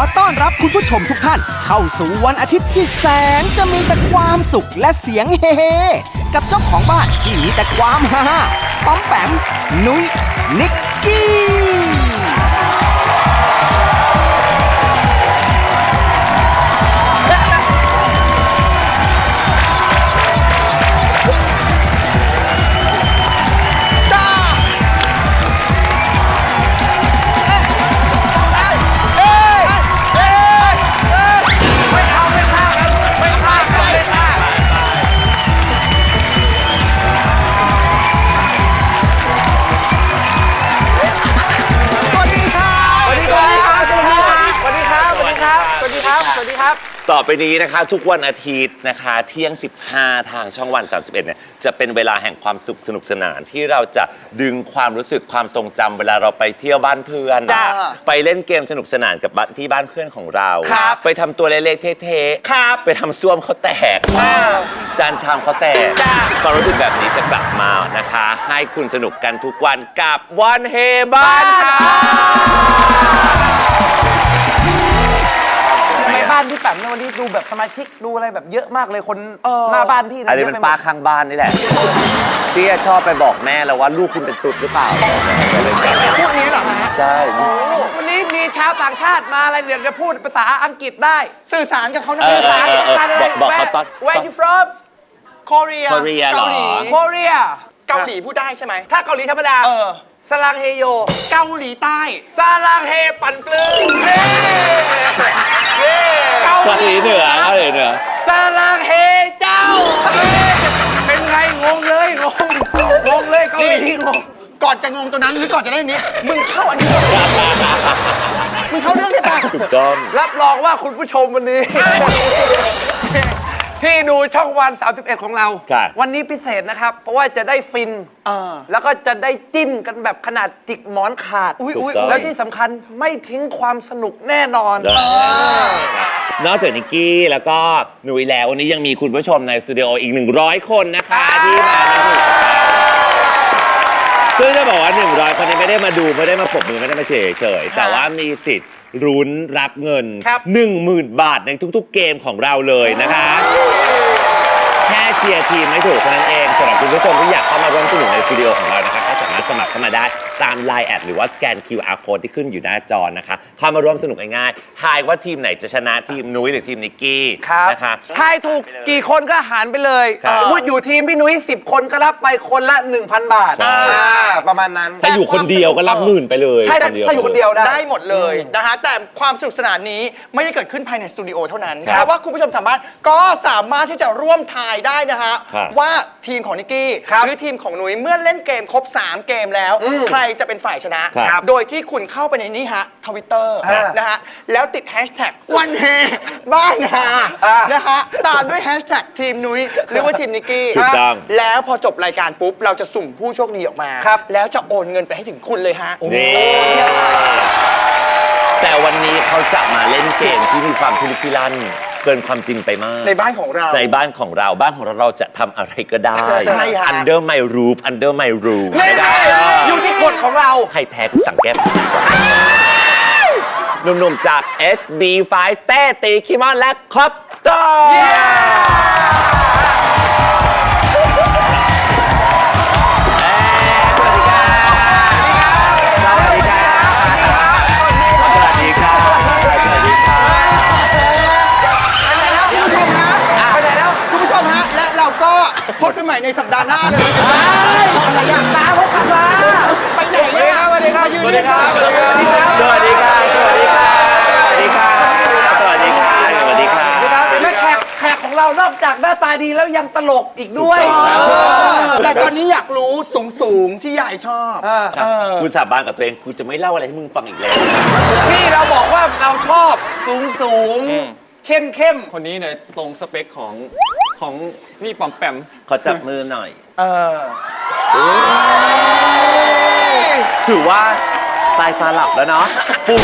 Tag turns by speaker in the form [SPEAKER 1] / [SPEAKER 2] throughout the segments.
[SPEAKER 1] ต้อนรับคุณผู้ชมทุกท่านเข้าสู่วันอาทิตย์ที่แสนจะมีแต่ความสุขและเสียงเฮเฮกับเจ้าของบ้านที่มีแต่ความฮ่าป๊อมแปมนุ้ยนิกกี้
[SPEAKER 2] ต่อไปนี้นะคะทุกวันอาทิตย์นะคะเที่ยง 15 ทางช่องวัน 31 เนี่ยจะเป็นเวลาแห่งความสุขสนุกสนานที่เราจะดึงความรู้สึกความทรงจำเวลาเราไปเที่ยวบ้านเพื่อนไปเล่นเกมสนุกสนานกับที่บ้านเพื่อนของเราไปทำตัวเล็กๆเท่ๆไปทำซ่วมเขาแตกจานชามเขาแตกความรู้สึกแบบนี้จะกลับมานะคะให้คุณสนุกกันทุกวันกับวันเฮบ้านค่ะ
[SPEAKER 3] บ้านพี่แปมในวันนี้ดูแบบสมาชิกดูอะไรแบบเยอะมากเลยคนหน้าบ้านพี่นะ
[SPEAKER 2] อันนี้เป็นป้าข้างบ้านนี่แหละพี่ชอบไปบอกแม่แล้วว่าลูกคุณเป็นตุ๊ดหรือเปล่า
[SPEAKER 1] พวกนี้เหรอฮะ
[SPEAKER 2] ใช่
[SPEAKER 3] วันนี้มีชาวต่างชาติมาอะไรเรียนจะพูดภาษาอังกฤษได้
[SPEAKER 1] สื่อสารกับเขานะ
[SPEAKER 3] สื่อสาร
[SPEAKER 2] บอกเขาตอน
[SPEAKER 3] Where you from
[SPEAKER 1] Korea
[SPEAKER 2] เกาหลี
[SPEAKER 3] Korea
[SPEAKER 1] เกาหลีพูดได้ใช่ไหม
[SPEAKER 3] ถ้าเกาหลีธรรมดาสลังเฮโย
[SPEAKER 1] เกาหลีใต้
[SPEAKER 3] สลังเฮปั่นปลื้ม
[SPEAKER 2] เกาหลีเหนือ
[SPEAKER 3] สลังเฮเจ้าเป็นไงงงเลยงงเลยเกาหลีงง
[SPEAKER 1] ก่อนจะงงตัวนั้นหรือก่อนจะได้นี้มึงเข้าอันนี้มึงเข้าเรื่องได้ปะ
[SPEAKER 2] ถูกต้อง
[SPEAKER 3] รับรองว่าคุณผู้ชมวันนี้ที่ดูช่องวัน 31 ของเราวันนี้พิเศษนะครับเพราะว่าจะได้ฟินแล้วก็จะได้จิ้นกันแบบขนาดจิกหมอนขาดแล้วที่สำคัญไม่ทิ้งความสนุกแน่นอน
[SPEAKER 2] นอกจากนิกกี้แล้วก็หนุ่ยแล้ววันนี้ยังมีคุณผู้ชมในสตูดิโออีก100 คนนะคะที่มาซึ่งจะบอกว่า100 คนนี้ไม่ได้มาดูไม่ได้มาปรบมือไม่ได้มาเฉยแต่ว่ามีสิทธิ์รุ้นรับเงิน 10,000 บาทในทุกๆเกมของเราเลยนะคะแค่เชียร์ทีมไม่ถูกเท่านั้นเองสำหรับคุณผู้ชมที่อยากเข้ามาร่วมสนุกในสตูดิโอของเรานะคะก็สามารถสมัครเข้ามาได้ตาม Line แอดหรือว่าสแกน QR Code ที่ขึ้นอยู่หน้าจอนะคะเข้ามาร่วมสนุกง่ายๆทายว่าทีมไหนจะชนะทีมนุ้ยหรือทีมนิกกี้นะคะ
[SPEAKER 3] ทายถูกกี่คนก็หารไปเลยพูดอยู่ทีมพี่นุ้ย10 คนก็รับไปคนละ 1,000 บาทประมาณนั้น
[SPEAKER 2] ถ้าอยู่คนเดียวก็รับหมื่นไปเลย
[SPEAKER 3] ใช่ถ้าอยู่คนเดียว
[SPEAKER 1] ได้หมดเลยนะคะแต่ความสนุกสนานนี้ไม่ได้เกิดขึ้นภายในสตูดิโอเท่านั้นเพราะว่าคุณผู้ชมทางบ้านก็สามารถที่จะร่วมทายได้นะฮะว่าทีมของนิกกี้หรือทีมของนุ้ยเมื่อเล่นเกมครบ3 เกมแล้วใครจะเป็นฝ่ายชนะโดยที่คุณเข้าไปในนี้ฮะTwitter นะฮะแล้วติดแฮชแท็กวันเฮบ้านฮานะฮะตามด้วยแฮชแท็กทีมนุ้ยหรือว่าทีมนิกกี้แล้วพอจบรายการปุ๊บเราจะสุ่มผู้โชคดีออกมาแล้วจะโอนเงินไปให้ถึงคุณเลยฮะ
[SPEAKER 2] แต่วันนี้เขาจะมาเล่นเกมที่มีความพิลึกพิลั่นเกินความจริงไปมาก
[SPEAKER 1] ในบ้านของเรา
[SPEAKER 2] เราจะทำอะไรก็ได้
[SPEAKER 1] ใช่ค่ะ
[SPEAKER 2] Under my roof
[SPEAKER 3] ไม่ได้อยู่ที่กฎของเรา
[SPEAKER 2] ใครแพ้กูสั่งแก้มหนุ่มๆจาก SB5 เต้ตีคิมอนและคอปเตอร์
[SPEAKER 1] พบกันใหม่ในสัปดาห์หน้าเลย
[SPEAKER 3] อะไรอย่างตาพบกันมา
[SPEAKER 1] ไปไหนเนี่ย
[SPEAKER 3] สวัสดีครับ
[SPEAKER 2] สวัสดีครับสวัสดีครับสวัสดีครับสวัสดีครับสวัสดีครับสวัสดีครับ
[SPEAKER 3] และแขกของเรานอกจากหน้าตาดีแล้วยังตลกอีกด้วย
[SPEAKER 1] แต่ตอนนี้อยากรู้สูงที่ยายชอบ
[SPEAKER 2] คุณสาบานกับตัวเองคุณจะไม่เล่าอะไรให้มึงฟังอีกแล้ว
[SPEAKER 3] ที่เราบอกว่าเราชอบสูงเข้ม
[SPEAKER 4] คนนี้เนี่ยตรงสเปคของพี่ปอมแปม
[SPEAKER 2] ขอจับมือหน่อยถือว่าตายตาหลับแล้วเนาะปุ๊บ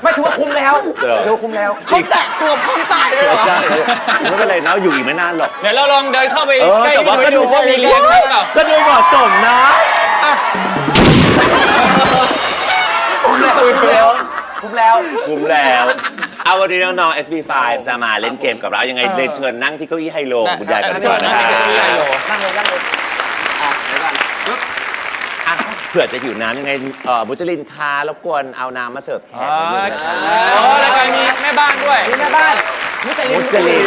[SPEAKER 3] ไม่ถือว่าคุ้มแล้วถือว่าคุ้มแล้ว
[SPEAKER 1] เขาแตะตัวพร้อมตายเลยเหรอ
[SPEAKER 2] ใช่ไม่เป็นไรนะอยู่อีกไม่นานหรอก
[SPEAKER 4] เดี๋ยวเราลองเดินเข้าไป ใกล้
[SPEAKER 2] แต่
[SPEAKER 4] พี่
[SPEAKER 2] ว่า
[SPEAKER 4] หนุ่
[SPEAKER 2] ก็
[SPEAKER 4] ย
[SPEAKER 2] ดู
[SPEAKER 4] ดูว่ามีเรียกใช่เปล่า
[SPEAKER 2] ก็ดูเหมาะสมนะ
[SPEAKER 3] คุ้มแล้วคุ้มแล้ว
[SPEAKER 2] คุ้มแล้วเอาวันนี้น้องๆ SB5 จะมาเล่นเกมกับเรายังไงเรียนเชิญนั่งที่เก้าอี้ไฮโลของคุณยายกันก่อนนะครับ
[SPEAKER 3] นั่งเลย
[SPEAKER 2] อ่ะเผื่อจะหิวน้ำยังไงมุจลินคารบกวนเอาน้ำมาเสิร์ฟแขกนิดนึงนะ
[SPEAKER 4] อ๋อแล้วก็มีแม่บ้านด้วย
[SPEAKER 3] นี่แม่บ้านมุจลิ
[SPEAKER 2] มุ
[SPEAKER 3] น
[SPEAKER 2] จลิน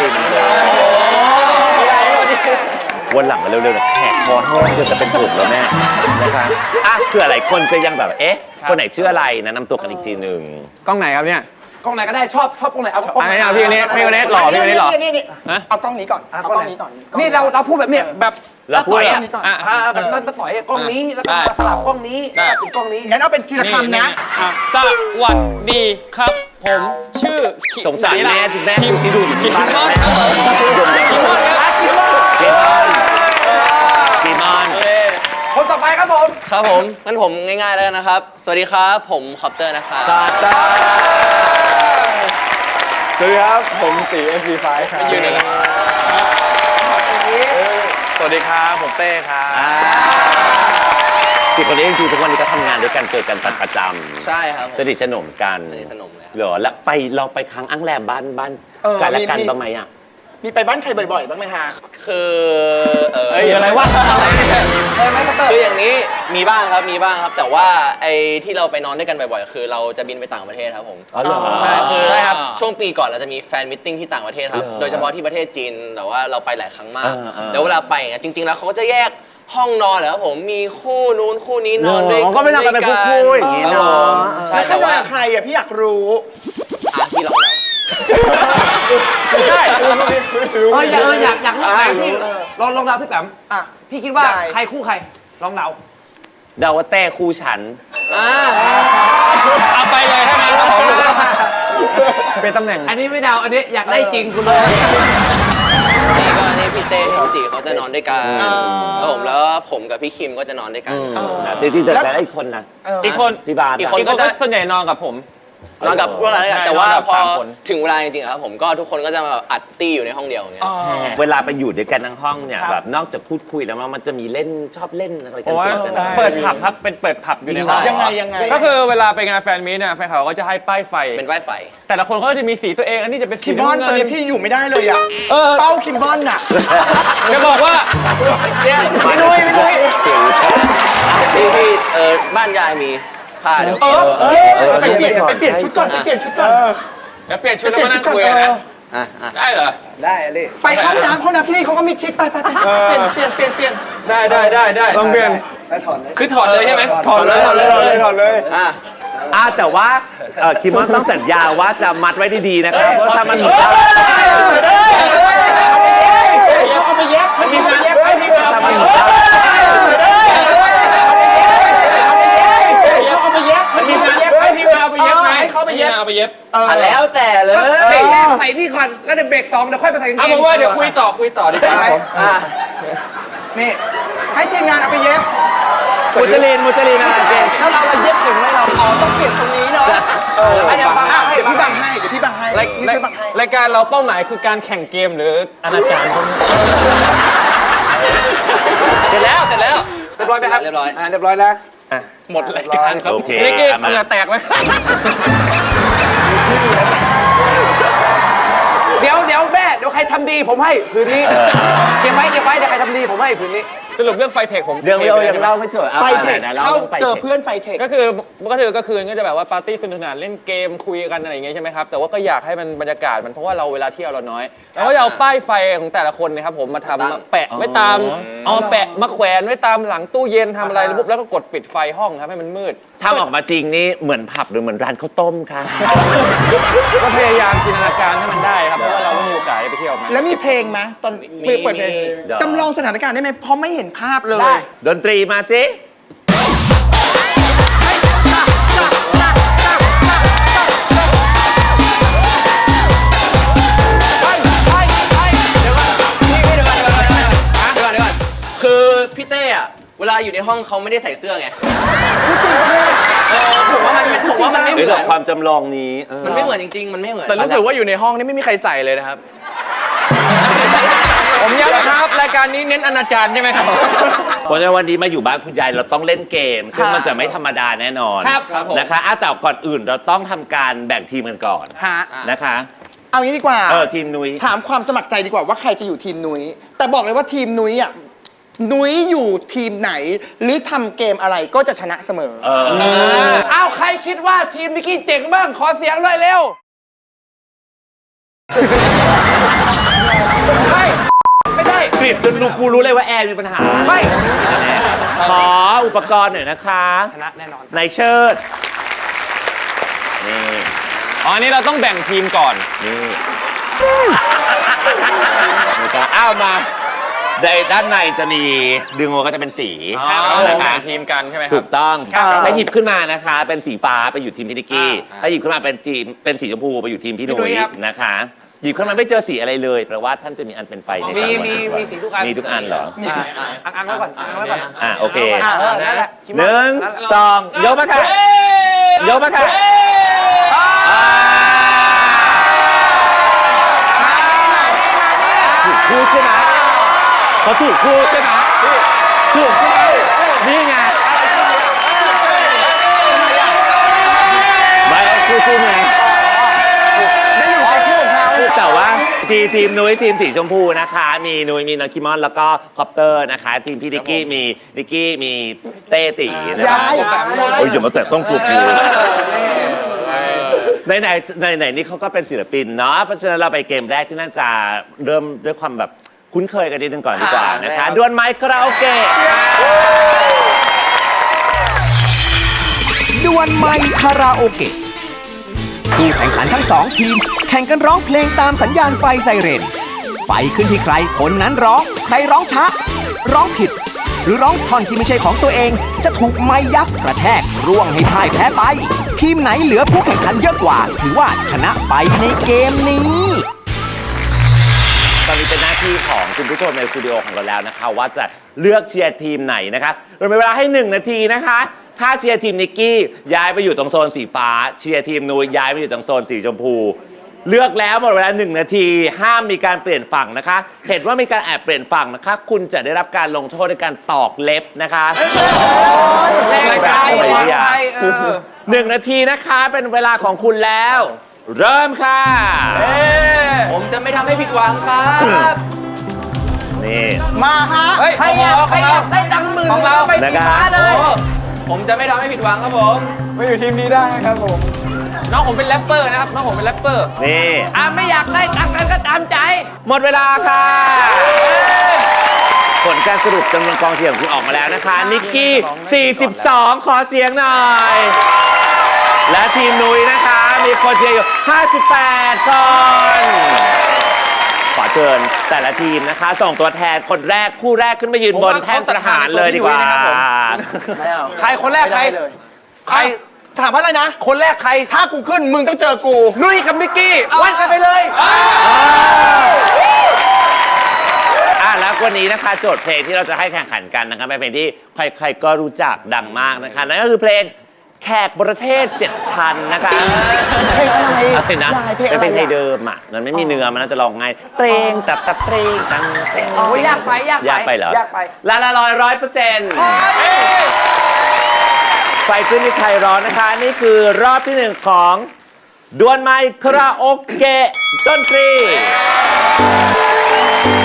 [SPEAKER 2] วันหลังมาเร็วๆนะแขกคอแห้งจะเป็นถุงแล้วแม่นะคะอ่ะเผื่อหลายคนจะยังแบบเอ๊ะคนไหนชื่ออะไรนะนำตัวกันอีกทีหนึ่ง
[SPEAKER 4] กล้องไหนครับเนี่ย
[SPEAKER 3] กล้องไหนก็ได้ชอบกล้องไหนเอากล้อง
[SPEAKER 4] อันไหนเอาพี่คนนี้พี่คนนี้หล่อพี่คนนี้หล่อ
[SPEAKER 1] นี่เอากล้องนี้ก่อนเอากล้องนี้ก่อน
[SPEAKER 3] นี่เราพูดแบบเนี้ยแบบ
[SPEAKER 2] เราพูด
[SPEAKER 3] ต่อย
[SPEAKER 2] อะ
[SPEAKER 3] แบบนั่นต่อยกล้องนี้แล้วก็สลับกล้องนี้เป็นกล้องนี้
[SPEAKER 1] งั้นเอาเป็นทีละคำนะ
[SPEAKER 4] สวัสดีครับ ผมชื่อ
[SPEAKER 2] สงสารแม่ที่แม่อยู่ที่ดูอยู่ที่บ้าน
[SPEAKER 4] คิมมอน
[SPEAKER 2] แม่
[SPEAKER 4] ครับคิมมอนครับ
[SPEAKER 2] กีมอน
[SPEAKER 3] คนต่อไปครับผม
[SPEAKER 5] ครับผม งั้นผมง่ายๆแล้วกันนะครับ สวัสดีครับ ผมคอปเตอร์นะครับ
[SPEAKER 2] ตาตา
[SPEAKER 4] สวัสดีครับ ผมตี MP5 ครับยืนเลยนะสวัสดีครับ ผมเต้ครับ
[SPEAKER 2] สี่คนนี้จริงๆทุกวันนี้ก็ทำงานด้วยกันเจอกันประจำ
[SPEAKER 5] ใช่ครับผม
[SPEAKER 2] สนิทสนมกัน
[SPEAKER 5] สนิทสนมเลยครับ
[SPEAKER 2] เหรอแล้วเราไปค้างอั้งแรมบ้านกันและกันบ้างไหมอ่ะ
[SPEAKER 1] มีไปบ้านใครบ่อยๆบ้างไหมฮะ
[SPEAKER 5] คือ
[SPEAKER 4] เอ้ยอะไรวะอะไรเนี่ย
[SPEAKER 3] เคยไหมคอปเตอร์
[SPEAKER 5] คืออย่างนี้มีบ้างครับ มีบ้างครับ แต่ว่าไอ้ที่เราไปนอนด้วยกันบ่อยๆ คือเราจะบินไปต่างประเทศครับผม
[SPEAKER 2] อ๋อเหรอ
[SPEAKER 5] ใช่คือ
[SPEAKER 4] ใช่ครับ
[SPEAKER 5] ช่วงปีก่อนเราจะมีแฟนมิทติ้งที่ต่างประเทศครับ
[SPEAKER 2] เหรอ
[SPEAKER 5] โดยเฉพาะที่ประเทศจีน แต่ว่าเราไปหลายครั้งมาก
[SPEAKER 2] เออ
[SPEAKER 5] แล้วเวลาไปอย่างเงี้ยจริงๆ แล้วเขาก็จะแยกห้องนอนเหรอครับผม มีคู่นู้นคู่นี้นอนด้วย
[SPEAKER 2] เหรอก็ไม่นอนกันเป็นคู่ๆอย่างงี้
[SPEAKER 5] ครับ
[SPEAKER 2] เน
[SPEAKER 5] ผ
[SPEAKER 2] อะ
[SPEAKER 5] มใช่
[SPEAKER 1] แล้วใคร
[SPEAKER 5] แต่
[SPEAKER 1] มา
[SPEAKER 5] ว่า
[SPEAKER 1] กับใครอ่ะพี่อยากรู้
[SPEAKER 5] พี่ลองเดา
[SPEAKER 4] ใช่
[SPEAKER 3] อยากรู้ไหนพี่ลองเดาพี่แปม
[SPEAKER 1] อ่ะ
[SPEAKER 3] พี่คิดว่า
[SPEAKER 1] ได้
[SPEAKER 3] ใครคู่ใครลองเดา
[SPEAKER 2] เดาว่าเต้คู่ฉัน
[SPEAKER 4] เอาไปเลยถ้างั้นครับผมเป็นตำแหน่ง
[SPEAKER 3] อันนี้ไม่เดาอันนี้อยากได้จริงคุณเลย
[SPEAKER 5] นี่พี่เต้พี่ติเขาจะนอนด้วยกันแล้วผมกับพี่คิมก็จะนอนด้วยกัน
[SPEAKER 2] ที่แต่อีกคนนะ
[SPEAKER 4] อีกคน
[SPEAKER 2] ที่บ้าน
[SPEAKER 5] อีก
[SPEAKER 2] อะ
[SPEAKER 5] คน
[SPEAKER 4] ก็จะส่วนใหญ่นอนกับผม
[SPEAKER 5] นอนกับพวกเราด้วยกัน
[SPEAKER 4] ใช่
[SPEAKER 5] แต่ว่าน
[SPEAKER 4] อนกับ
[SPEAKER 5] พอ
[SPEAKER 4] สามคน
[SPEAKER 5] ถึงเวลาจริงๆครับผมก็ทุกคนก็จะมาอัดตี้อยู่ในห้องเดียวอย่างเงี้ย
[SPEAKER 2] เวลาไปอยู่ด้วยกันทั้งห้องเนี่ยแบบนอกจากพูดคุยแล้วมันจะมีเล่นชอบเล่นอะไรกั
[SPEAKER 4] เพราะว่า
[SPEAKER 2] ด้วยกัน
[SPEAKER 4] เปิดผับครับเป็นเปิดผับอยู่ในห้อง
[SPEAKER 1] ยังไง
[SPEAKER 4] ก็คือเวลาไปงานแฟนมีตเนี่ยแฟนเขาก็จะให้ป้ายไฟ
[SPEAKER 5] เป็นไว้ไฟ
[SPEAKER 4] แต่ละคนก็จะมีสีตัวเองอันนี้จะเป็นสี
[SPEAKER 1] คิมบอน
[SPEAKER 4] ำ
[SPEAKER 1] ตอน
[SPEAKER 4] เงิ
[SPEAKER 1] นี้พี่อยู่ไม่ได้เลยอ่ะ เป้าคิมบอนน่ะ
[SPEAKER 4] จะบอกว่า
[SPEAKER 2] ไม่นุ้ย
[SPEAKER 5] พี่บ้านยายมีผ้าเดี๋ยว
[SPEAKER 1] ไปเปลี่ยนชุดก่อนไปเปลี่ยนชุดก่อน
[SPEAKER 4] เดี๋ยวเปลี่ยนชุดแล้วมานั่งคุยกันนะ
[SPEAKER 5] อ่ะ
[SPEAKER 4] ได้เหรอ
[SPEAKER 3] ได้เลย
[SPEAKER 1] ไปห้องน้ำที่นี่เขาก็มีชิดไปเปลี่ยน
[SPEAKER 4] ได้ลองเปลี่ยนคือถอดเลยใช่ไหม
[SPEAKER 5] ถอดเลยอ่ะ
[SPEAKER 2] แต่ว่าคิมมอนต้องสัญญาว่าจะมัดไว้ดีๆนะครับเพราะถ้ามันหลุด
[SPEAKER 1] เขาเอาไปเย็บ
[SPEAKER 4] มีงานเย็บให้ทีมงาน
[SPEAKER 2] ถ้ามันหลุด
[SPEAKER 1] เขาเอาไปเย็บ
[SPEAKER 4] มีงานเย็บให้ทีมงานเอาไปเย็บไหม
[SPEAKER 1] ให้เขาไปเย็บ
[SPEAKER 4] เอาไปเย็บ
[SPEAKER 2] แล้วแต่เลย
[SPEAKER 3] เบรกแรกใส่นี่ก่อนแล้วเดี๋ยวเบรกสองเดี๋ยวค่อยไปใส่กางเก
[SPEAKER 4] เอา
[SPEAKER 3] ง
[SPEAKER 4] เป็นว่าเดี๋ยวคุยต่อดีกว่า
[SPEAKER 1] นี่ให้ทีมงานเอาไปเย็บ
[SPEAKER 2] มุจลินอะไรเก่ง
[SPEAKER 3] ถ้าเราเย็บเก่งไหมเรา
[SPEAKER 1] ต้องเปลี่ยนตรงนี้เนาะเดี๋ยวพี่บังให้นี่ช่วยบังให้
[SPEAKER 4] รายการเราเป้าหมายคือการแข่งเกมหรืออนาจารพวกนี้เสร็จแล้ว
[SPEAKER 3] เรียบร้อยไหมครับ
[SPEAKER 5] เรียบร้อย
[SPEAKER 3] เรียบร้อยแล้ว
[SPEAKER 4] หมดรายการครับ
[SPEAKER 2] โอเค
[SPEAKER 4] นิกกี้
[SPEAKER 2] มา
[SPEAKER 4] เหงื่อแตกไหม
[SPEAKER 3] เดี๋ยวแม่เดี๋ยวใครทำดีผมให้ผืนนี้เก็บไว้เดี๋ยวใครทำดีผมให้ผืนนี้
[SPEAKER 4] สรุปเรื่องไฟเทคผม
[SPEAKER 2] เรื่องเรายังเล่าไม่จบ
[SPEAKER 1] ไฟเทคเข้าเจอเพื่อนไฟเทค
[SPEAKER 4] ก็คืนก็จะแบบว่าปาร์ตี้สนุกสนานเล่นเกมคุยกันอะไรอย่างเงี้ยใช่ไหมครับแต่ว่าก็อยากให้มันบรรยากาศมันเพราะว่าเราเวลาเที่ยวเราน้อยเราก็จะเอาป้ายไฟของแต่ละคนนะครับผมมาทำมาแปะไว้ตามเอาแปะมาแขวนไว้ตามหลังตู้เย็นทำอะไรแล้วก็กดปิดไฟห้องครับให้มันมืด
[SPEAKER 2] ทำออกมาจริงนี่เหมือนผับหรือเหมือนร้านข้าวต้มค่ะ
[SPEAKER 4] ก็พยายามจินตนาการให้มันได้ครับเพราะว่าเราไม่มีโอกาสได้ไปเที่ยวมา
[SPEAKER 1] แล้วมีเพลงไหมตอนเปิดเพลงจำลองสถานการณ์ได้ไหมเพราะไม่เห็นภาพเลย
[SPEAKER 2] ดนตรีมาสิ
[SPEAKER 5] เดี๋ยวก่อนคือพี่เต้อะเวลาอยู่ในห้องเขาไม่ได้ใส่เสื้อไง
[SPEAKER 1] พูดจริงปะเนี่ย
[SPEAKER 5] ผมว่ามันไม่เห
[SPEAKER 2] หรือ
[SPEAKER 5] มื
[SPEAKER 2] แบ
[SPEAKER 5] อน
[SPEAKER 2] บความจำลองนี้
[SPEAKER 5] มันไม่เหมือนจริงๆ มันไม่เหมือน
[SPEAKER 4] แต่รู้สึกว่าอยู่ในห้องนี่ไม่มีใครใส่เลยนะครับ ผมย้ำนะครับรายการนี้เน้นอนาจารใช่ไหมครับ
[SPEAKER 2] เพราะฉะนั้นวันนี้มาอยู่บ้านคุณยายเราต้องเล่นเกม ซึ่งมันจะไม่ธรรมดาแน่นอน
[SPEAKER 1] ครับ
[SPEAKER 2] นะคะแต่ก่อนอื่นเราต้องทำการแบ่งทีมกันก่อน
[SPEAKER 1] ฮะ
[SPEAKER 2] นะคะ
[SPEAKER 1] เอางี้ดีกว่า
[SPEAKER 2] ทีมนุ้ย
[SPEAKER 1] ถามความสมัครใจดีกว่าว่าใครจะอยู่ทีมนุ้ยแต่บอกเลยว่าทีมนุ้ยอ่ะนุ้ยอยู่ทีมไหน หรือทำเกมอะไรก็จะชนะเสมอ
[SPEAKER 3] อ้าวใครคิดว่าทีมนิกกี้เจ๋งบ้างขอเสียงหน่อยเร็วไม่ได้
[SPEAKER 2] กริบจนลูกกูรู้เลยว่าแอร์มีปัญหา
[SPEAKER 3] ไม่
[SPEAKER 2] ขออุปกรณ์หน่อยนะคะ
[SPEAKER 3] ชนะแน่นอน
[SPEAKER 2] ในเชิดนี่
[SPEAKER 4] อ๋ออันนี้เราต้องแบ่งทีมก่อน
[SPEAKER 2] นี่นะครับอ้าวมาในด้านในจะมีดึงออกก็จะเป็นสี
[SPEAKER 4] ครับ
[SPEAKER 2] นะ
[SPEAKER 4] แบ่
[SPEAKER 2] คะ
[SPEAKER 4] งทีมกันใช่ไหมค
[SPEAKER 2] ถู
[SPEAKER 4] รับ
[SPEAKER 2] กต้อง
[SPEAKER 1] ครับ
[SPEAKER 2] ถ้าหยิบขึ้นมานะคะ เป็นสีฟ้าไปอยู่ทีมพี่นิกกี้ถ้าหยิบขึ้นมาเป็นทีมเป็นสีชมพูไปอยู่ทีมพี่หนุ่ยนะคะ หยิบขึ้นมาไม่เจอสีอะไรเลยแปลว่าท่านจะมีอันเป็นไปใน
[SPEAKER 3] มี
[SPEAKER 2] สามวัน
[SPEAKER 3] มีสีทุกอัน
[SPEAKER 2] มีทุกอันเหรอ
[SPEAKER 3] อังไว้ก่อนอังไว้ก่อน
[SPEAKER 2] โอเค
[SPEAKER 3] นั่นแหละ
[SPEAKER 2] หนึ่งสองยกมาค่ะยกมาค่ะถูกคู่ใช่ไหมเขาถูกคู่ใช่ไหมถูกใช่ไหมนี่ไงไม่คู่ไง
[SPEAKER 1] ได้อยู่ในคู่ของเขา
[SPEAKER 2] แต่ว่าทีมนุ้ยทีมสีชมพูนะคะ มีนุ้ยมีน้องคิมอนแล้วก็คอปเตอร์นะคะ ทีมพี่นิกกี้มีนิกกี้มีเต้ตีนะคะ
[SPEAKER 1] ย้าย
[SPEAKER 2] โอ้ยอย่ามาแตะต้องกลุ่มกูไหนนี่เขาก็เป็นศิลปินเนาะเพราะฉะนั้นเราไปเกมแรกที่น่าจะเริ่มด้วยความแบบคุ้นเคยกันนิดนึงก่อนดีกว่านะคะดวลไมค์คาราโอเกะ
[SPEAKER 6] ดวลไมค์คาราโอเกะผู้แข่งขันทั้งสองทีม แข่งกันร้องเพลงตามสัญญาณไฟไซเรน ไฟขึ้นที่ใครคนนั้นร้อง ใครร้องช้า ร้องผิด หรือร้องท่อนที่ไม่ใช่ของตัวเอง จะถูกไม้ยักษ์กระแทกร่วงให้พ่ายแพ้ไป ทีมไหนเหลือผู้แข่งขันเยอะกว่า ถือว่าชนะไปในเกมนี้
[SPEAKER 2] ตอนนี้เป็นหน้าที่ของคุณผู้ชมในสตูดิโอของเราแล้วนะคะ ว่าจะเลือกเชียร์ทีมไหนนะคะเรามีเวลาให้ 1 นาทีนะคะ ถ้าเชียร์ทีมนิกกี้ย้ายไปอยู่ตรงโซนสีฟ้า เชียร์ทีมนูย้ายไปอยู่ตรงโซนสีชมพู เลือกแล้วหมดเวลา1 นาทีห้ามมีการเปลี่ยนฝั่งนะคะ เห็นว่ามีการแอบเปลี่ยนฝั่งนะคะ คุณจะได้รับการลงโทษด้วยการตอกเล็บนะคะ
[SPEAKER 3] รายการ
[SPEAKER 2] แบบ
[SPEAKER 3] วาง
[SPEAKER 2] ไม่อยา
[SPEAKER 3] ไป
[SPEAKER 2] ก1 นาทีนะคะเป็นเวลาของคุณแล้ว เริ่มค่ะ
[SPEAKER 5] ผมจะไม่ทำให้ผิดหวังครับ
[SPEAKER 2] นี่
[SPEAKER 1] มาฮะ
[SPEAKER 3] เฮ้ยใครอยากได้ตังค์หมื่นของเราไป
[SPEAKER 2] นะครับ
[SPEAKER 3] ฟ้าเลย
[SPEAKER 5] ผมจะไม่ทำให้ผิดหวังครับผม
[SPEAKER 1] มาอยู่ทีมนี้ได้ครับผม
[SPEAKER 3] น้องผมเป็นแรปเปอร์นะครับ น้องผมเป็นแรปเปอร์
[SPEAKER 2] นี่
[SPEAKER 3] ไม่อยากได้ตังค์กันก็ตามใจ
[SPEAKER 2] หมดเวลาค่ะ ผลการสรุปจำนวนกองเชียร์ของคุณออกมาแล้วนะคะ นิกกี้ 42 ขอเสียงหน่อย และทีมนุ้ยนะคะ มีคนเชียร์อยู่ 58 คน ขอเชิญแต่ละทีมนะคะ ส่งตัวแทนคนแรกคู่แรกขึ้นมายืนบนแท่นประหารเลยดีกว่า
[SPEAKER 3] ใครคนแรกใคร
[SPEAKER 1] ไม่ได้เลย
[SPEAKER 3] ใคร
[SPEAKER 1] ถามว่าอะไรนะ
[SPEAKER 3] คนแรกใคร
[SPEAKER 1] ถ้ากูขึ้นมึงต้องเจอกู
[SPEAKER 3] นุ้ยกับนิกกี้วัดกันไปเลย
[SPEAKER 2] แล้ววันนี้นะคะโจทย์เพลงที่เราจะให้แข่งขันกันนะคะเป็นเพลงที่ใครๆก็รู้จักดังมากนะคะนั่นก็คือเพลงแขกประเทศ7 ชั้นนะคะ
[SPEAKER 1] เพลงอะไร
[SPEAKER 2] อะไรนะ
[SPEAKER 1] เพลงอะไร
[SPEAKER 2] เป็นเพลงไทยเดิมอ่ะมันไม่มีเนื้อมันน่าจะร้องไงเตรงตับตับเตรงตังเตรง
[SPEAKER 3] โอ้ยยากไป
[SPEAKER 2] ยากไปเหรอย
[SPEAKER 3] ากไป
[SPEAKER 2] ละ100%ไฟขึ้นที่ไทยร้อนนะคะ นี่คือรอบที่ 1 ของดวลไมค์คาราโอเกะดนตรี